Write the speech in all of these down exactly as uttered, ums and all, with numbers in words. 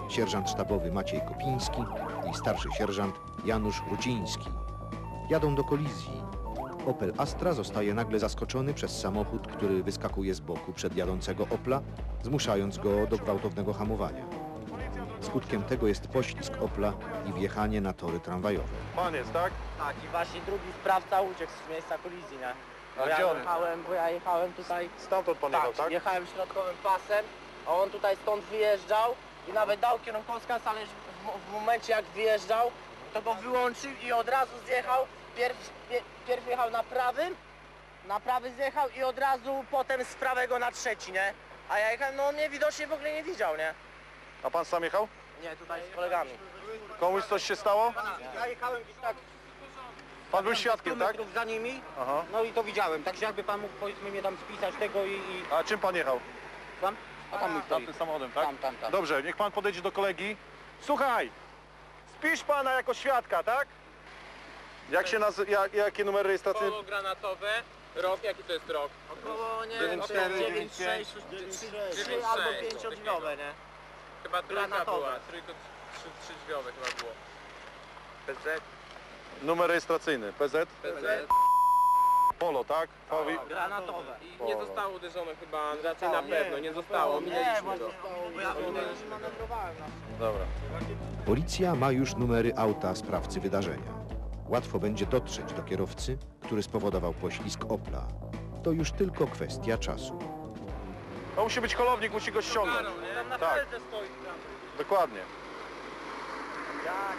sierżant sztabowy Maciej Kopiński i starszy sierżant Janusz Ruciński. Jadą do kolizji. Opel Astra zostaje nagle zaskoczony przez samochód, który wyskakuje z boku przed jadącego Opla, zmuszając go do gwałtownego hamowania. Skutkiem tego jest poślizg Opla i wjechanie na tory tramwajowe. Pan jest, tak? Tak, i właśnie drugi sprawca uciekł z miejsca kolizji, nie? Bo A ja gdzie on? jechałem, bo ja jechałem tutaj... Stamtąd pan jechał, tak? jechałem środkowym pasem, a on tutaj stąd wyjeżdżał i nawet dał kierunkowskaz, ale w, w momencie jak wyjeżdżał, to go wyłączył i od razu zjechał. Pierw, pie, pierw jechał na prawym, na prawy zjechał i od razu potem z prawego na trzeci, nie? A ja jechałem, no on mnie widocznie w ogóle nie widział, nie? A pan sam jechał? Nie, tutaj z kolegami. Komuś coś się stało? Ja jechałem gdzieś tak Pan był świadkiem, tak? metrów za nimi, Aha. no i to widziałem, także jakby pan mógł, powiedzmy, mnie tam spisać tego i... i... A czym pan jechał? Tam? A tam mój stoi. Tamtym samochodem, tak? Tam, tam, tam. Dobrze, niech pan podejdzie do kolegi. Słuchaj, spisz pana jako świadka, tak? Jak się nazywa, jak, jakie numery rejestracyjne? Koło granatowe, rok, jaki to jest rok? Około, nie wiem, dziewięć cztery, dziewięć sześć, trzy albo pięciodźwiowe, nie? Chyba trójka Granatowe. była, trójka, trzy, trzy drzwiowe chyba było. P Z, Numer rejestracyjny, P Z? P Z Polo, tak? Fawi... Granatowe. i nie zostało uderzone chyba, raczej na pewno, nie zostało, Nie, minęliśmy właśnie, go. bo ja minęliśmy, manewrowałem na Dobra. Policja ma już numery auta sprawcy wydarzenia. Łatwo będzie dotrzeć do kierowcy, który spowodował poślizg Opla. To już tylko kwestia czasu. To musi być holownik, musi go ściągnąć. Tam na Tak. felce stoi tam. Dokładnie. Jak?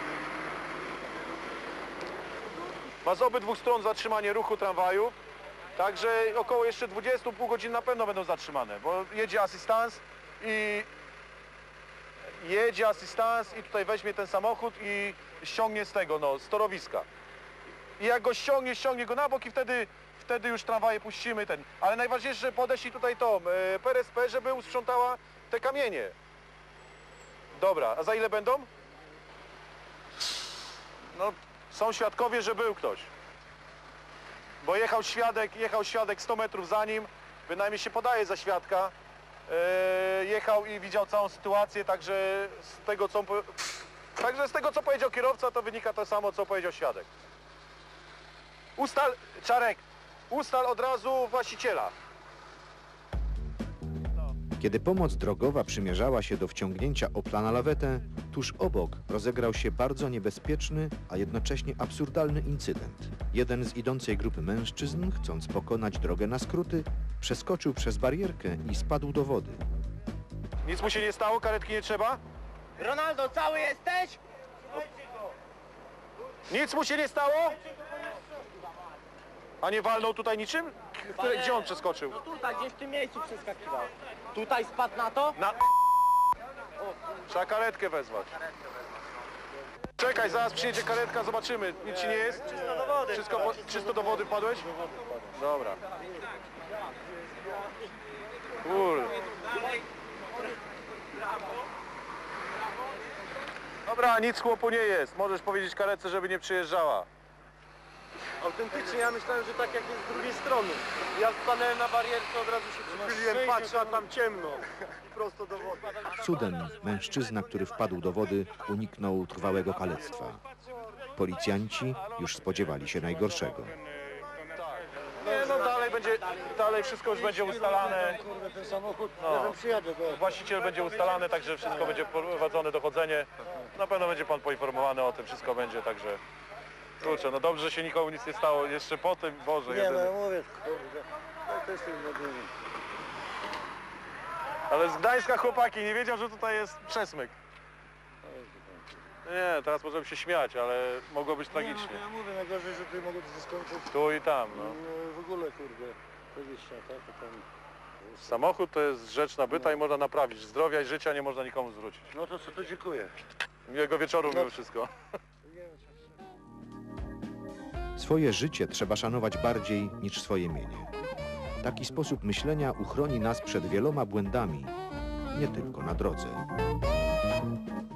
Ma z obydwu stron zatrzymanie ruchu tramwaju, także około jeszcze dwudziestu, pół godziny na pewno będą zatrzymane, bo jedzie asystans i jedzie asystans i tutaj weźmie ten samochód i ściągnie z tego, no, z torowiska. I jak go ściągnie, ściągnie go na bok i wtedy, wtedy już tramwaje puścimy ten. Ale najważniejsze, że podeślij tutaj tą e, P R S P, żeby usprzątała te kamienie. Dobra, a za ile będą? No, są świadkowie, że był ktoś. Bo jechał świadek, jechał świadek sto metrów za nim, bynajmniej się podaje za świadka. E, jechał i widział całą sytuację, także z tego co, także z tego co powiedział kierowca, to wynika to samo, co powiedział świadek. Ustal, Czarek, ustal od razu właściciela. Kiedy pomoc drogowa przymierzała się do wciągnięcia Opla na lawetę, tuż obok rozegrał się bardzo niebezpieczny, a jednocześnie absurdalny incydent. Jeden z idącej grupy mężczyzn, chcąc pokonać drogę na skróty, przeskoczył przez barierkę i spadł do wody. Nic mu się nie stało, karetki nie trzeba? Ronaldo, cały jesteś? Nic mu się nie stało? A nie walnął tutaj niczym? Które, gdzie on przeskoczył? No tutaj, gdzieś w tym miejscu przeskakiwał. Tutaj spadł na to? Na... Trzeba karetkę wezwać. Czekaj, zaraz przyjedzie karetka, zobaczymy. Nic ci nie jest? Czysto do wody. Wszystko po... Czysto do wody wpadłeś? Dobra. Kur... Dobra, nic chłopu nie jest. Możesz powiedzieć karetce, żeby nie przyjeżdżała. Autentycznie ja myślałem, że tak jak jest z drugiej strony. Ja stanąłem na barierce, od razu się przychyliłem, patrzę, a tam ciemno. I prosto do wody. Cudem mężczyzna, który wpadł do wody, uniknął trwałego kalectwa. Policjanci już spodziewali się najgorszego. Nie, no dalej będzie, dalej wszystko już będzie ustalane. Kurde, ten samochód, No. ja tam przyjadę, bo... Właściciel będzie ustalany, także wszystko będzie prowadzone dochodzenie. Na pewno będzie pan poinformowany o tym, wszystko będzie, także... Kurczę, no dobrze, że się nikomu nic nie stało. Jeszcze po tym, Boże, Nie, jedyny. no mówię, kurde, no to jest inny. Ale z Gdańska chłopaki, nie wiedział, że tutaj jest przesmyk. Nie, teraz możemy się śmiać, ale mogło być Nie, tragicznie. no, ja mówię, najgorzej, że tutaj mogło to się skończyć. Tu i tam, no. No, w ogóle, kurde, dwadzieścia, tak, to tam... Samochód to jest rzecz nabyta i można naprawić. Zdrowia i życia nie można nikomu zwrócić. No to co, to dziękuję. Miłego wieczoru, mimo wszystko. Swoje życie trzeba szanować bardziej niż swoje mienie. Taki sposób myślenia uchroni nas przed wieloma błędami, nie tylko na drodze.